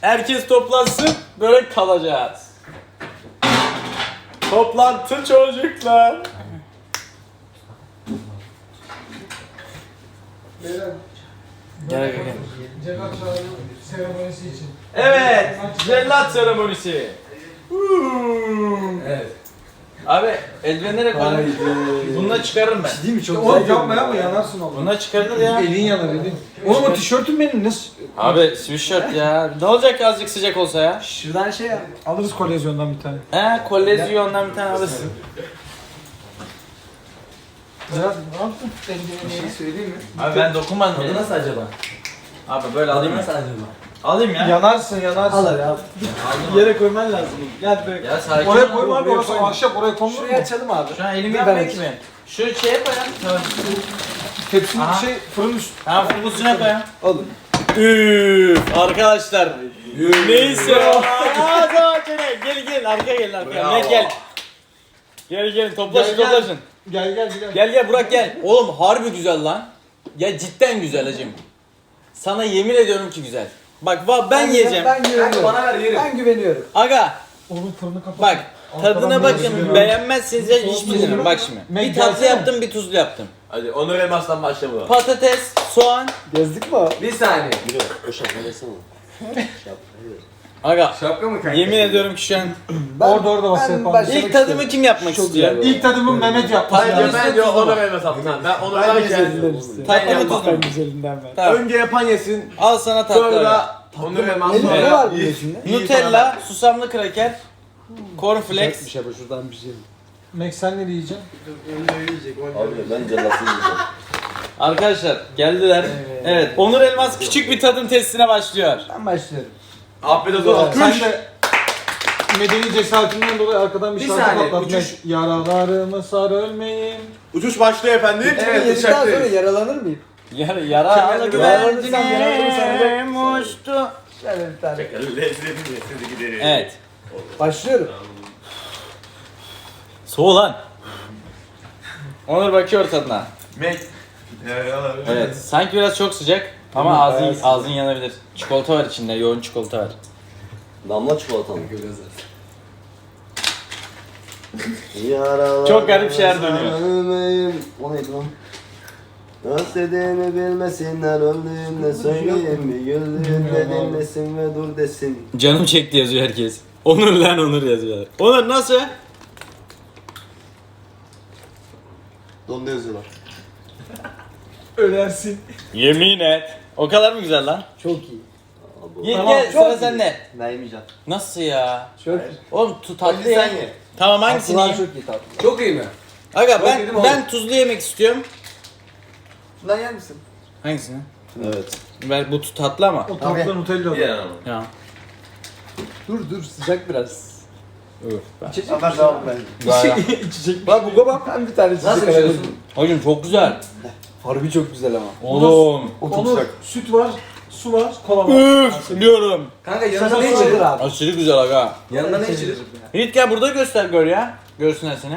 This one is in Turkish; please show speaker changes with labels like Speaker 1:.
Speaker 1: Herkes toplansın, börek kalacağız. Toplantı çocuklar. Gel.
Speaker 2: Cellat seremonisi için.
Speaker 1: Evet, cellat seremonisi.
Speaker 3: Evet.
Speaker 1: Abi eldivenlere koy. Bununla çıkarırım ben.
Speaker 3: Değil mi? Çok
Speaker 2: Oğlum
Speaker 3: güzel.
Speaker 2: yapma yapma yanarsın oğlum.
Speaker 1: Bununla çıkarılır ya.
Speaker 2: Elin yanar elin. Oğlum o tişörtün benim nasıl?
Speaker 1: Abi sweatshirt ya. Ne olacak azıcık sıcak olsa ya?
Speaker 3: Şuradan şey yap.
Speaker 2: Alırız kolezyondan bir tane.
Speaker 1: He, kolezyondan bir tane alırsın.
Speaker 2: Cellat ne yaptın?
Speaker 3: Bir şey söyleyeyim mi?
Speaker 1: Abi ben dokunmadım.
Speaker 3: Tadı nasıl acaba?
Speaker 1: Abi böyle alayım mı?
Speaker 3: Nasıl acaba?
Speaker 1: Alayım ya.
Speaker 2: Yanarsın yanarsın.
Speaker 3: Al abi al.
Speaker 2: Yere koyman lazım. Gel böyle.
Speaker 1: Ya sakin
Speaker 2: Oraya
Speaker 1: ol.
Speaker 2: koyma abi orası ahşap oraya konulur mu?
Speaker 3: Şuraya açalım abi.
Speaker 1: Şu an elimi
Speaker 3: Bir
Speaker 1: yapmayın
Speaker 3: ben
Speaker 1: ki ben. Şu şeye koyalım. Tamam.
Speaker 2: Tepsinin
Speaker 1: Aha.
Speaker 2: fırın üstü.
Speaker 1: Ha fırın üstüne koyalım.
Speaker 3: Alın.
Speaker 1: Üf arkadaşlar. Neyse. Aa tamam gel arkaya gelin arkaya.
Speaker 3: Bravo.
Speaker 1: Gel. Gelin toplaşın
Speaker 2: Gel, gel.
Speaker 1: toplaşın.
Speaker 2: Gel.
Speaker 1: Burak gel. Oğlum harbi güzel lan. Ya cidden güzel hacım. Sana yemin ediyorum ki güzel. Bak ben yiyeceğim.
Speaker 3: Ben güveniyorum.
Speaker 2: Bana ver, yerim.
Speaker 3: Ben güveniyorum.
Speaker 1: Aga
Speaker 2: Oğlum fırını kapat.
Speaker 1: bak tadına
Speaker 2: Arkadan
Speaker 1: bakın
Speaker 2: biraz
Speaker 1: beğenmezseniz ya hiçbir şey demem. Bak şimdi.
Speaker 2: Mek
Speaker 1: Bir tatlı
Speaker 2: gelsene.
Speaker 1: yaptım bir tuzlu yaptım.
Speaker 4: Hadi Onur Elmas'tan başla bu.
Speaker 1: Patates, soğan.
Speaker 3: Gezdik mi? Bir saniye.
Speaker 1: Aga
Speaker 3: Şapka mı kanka?
Speaker 1: yemin ediyorum ki şu an
Speaker 2: Orada bas yapalım.
Speaker 3: başlamak
Speaker 1: ilk tadımı
Speaker 3: istiyorum.
Speaker 1: kim yapmak
Speaker 3: Çok
Speaker 1: istiyor?
Speaker 3: güzel.
Speaker 2: İlk tadımı Mehmet yapması
Speaker 4: Hayır
Speaker 2: lazım.
Speaker 4: ben diyor Onur Elmas yaptım. Ben Onur'dan
Speaker 3: güzelinden
Speaker 4: geldim.
Speaker 3: istiyorum.
Speaker 1: Tatlı mı tuzlu mu?
Speaker 2: güzelinden ben.
Speaker 1: Tamam.
Speaker 4: Önce yapan yesin.
Speaker 1: Al sana tatlı.
Speaker 4: Sonra
Speaker 1: aga.
Speaker 4: da Onur Elmas.
Speaker 3: Ne var bunun içinde?
Speaker 1: Nutella, susamlı kraker, cornflakes.
Speaker 3: şey bu şuradan bir şey.
Speaker 2: Mek sen ne yiyeceksin?
Speaker 4: Abi ben cellatı yiyeceğim.
Speaker 1: Arkadaşlar geldiler. Evet. Onur Elmas küçük bir tadım testine başlıyor.
Speaker 3: Ben başlıyorum.
Speaker 4: Afiyet olsun.
Speaker 2: Sen de medeni cesaretinden dolayı arkadan bir
Speaker 3: Bir
Speaker 2: şarkı
Speaker 3: saniye,
Speaker 2: patlat.
Speaker 3: uçuş.
Speaker 2: Yaralarımı sar ölmeyeyim.
Speaker 4: Uçuş başlıyor efendim.
Speaker 3: Evet, yedikten sonra yaralanır mıyım?
Speaker 1: Yaralı
Speaker 3: Yaralanırsam yaralanırsam
Speaker 1: güvercinim uçtu.
Speaker 3: Şöyle bir tane.
Speaker 4: Lezzetini giderim.
Speaker 1: Evet.
Speaker 3: Başlıyorum.
Speaker 1: Soğuk lan. Onur bakıyor tadına.
Speaker 4: Mek.
Speaker 1: Evet. Sanki biraz çok sıcak ama ağzın yanabilir. Çikolata var içinde. Yoğun çikolata var.
Speaker 4: Damla çikolata mı?
Speaker 1: Çok garip şeyler dönüyor.
Speaker 4: O neydi lan? Özlediğimi bilmesinler, öldüğümde söyleyeyim. Bir güldüğümde dinlesin ve dur desin.
Speaker 1: Canım çekti yazıyor herkes. Onur lan Onur yazıyor. Onur nasıl?
Speaker 4: Donda yazıyorlar.
Speaker 2: Ölersin.
Speaker 1: Yemin et. O kadar mı güzel lan?
Speaker 3: Çok iyi.
Speaker 1: Ye,
Speaker 2: Tamam,
Speaker 1: gel
Speaker 3: çok
Speaker 1: sıra
Speaker 3: iyi.
Speaker 1: sende.
Speaker 4: Ben yemeyeceğim.
Speaker 1: Nasıl ya?
Speaker 3: Çok iyi.
Speaker 1: Oğlum tatlı ya.
Speaker 4: Sen ye.
Speaker 1: Tamam hangisini
Speaker 3: Tatlılar
Speaker 1: yiyeyim?
Speaker 3: çok iyi tatlı. Çok iyi mi?
Speaker 1: Aga
Speaker 3: Çok yedim oğlum.
Speaker 1: ben tuzlu yemek istiyorum.
Speaker 3: Bundan yer misin?
Speaker 1: Hangisini?
Speaker 4: Evet.
Speaker 1: Ben bu tatlı ama.
Speaker 2: O tatlı Nutella.
Speaker 4: Ye ama.
Speaker 1: Ya.
Speaker 3: Dur sıcak biraz.
Speaker 1: Öf.
Speaker 3: İçecek
Speaker 4: Haber
Speaker 3: misin?
Speaker 4: devam ben.
Speaker 2: İçecek.
Speaker 3: Bak bu bak ben bir tane
Speaker 4: Nasıl
Speaker 3: içecek
Speaker 4: içiyorsun?
Speaker 3: alabilirim.
Speaker 1: Hocam çok güzel.
Speaker 3: Harbi çok güzel ama.
Speaker 1: Oğlum.
Speaker 3: O çok
Speaker 2: Onur,
Speaker 3: sıcak.
Speaker 2: süt var, su var, kola var.
Speaker 1: Üf diyorum.
Speaker 3: Kanka
Speaker 2: yanında ne içilir
Speaker 3: abi?
Speaker 1: Aşırı güzel aga.
Speaker 3: Yanında ne içilir?
Speaker 1: Yiğit gel burada göster gör ya. Görsünler seni.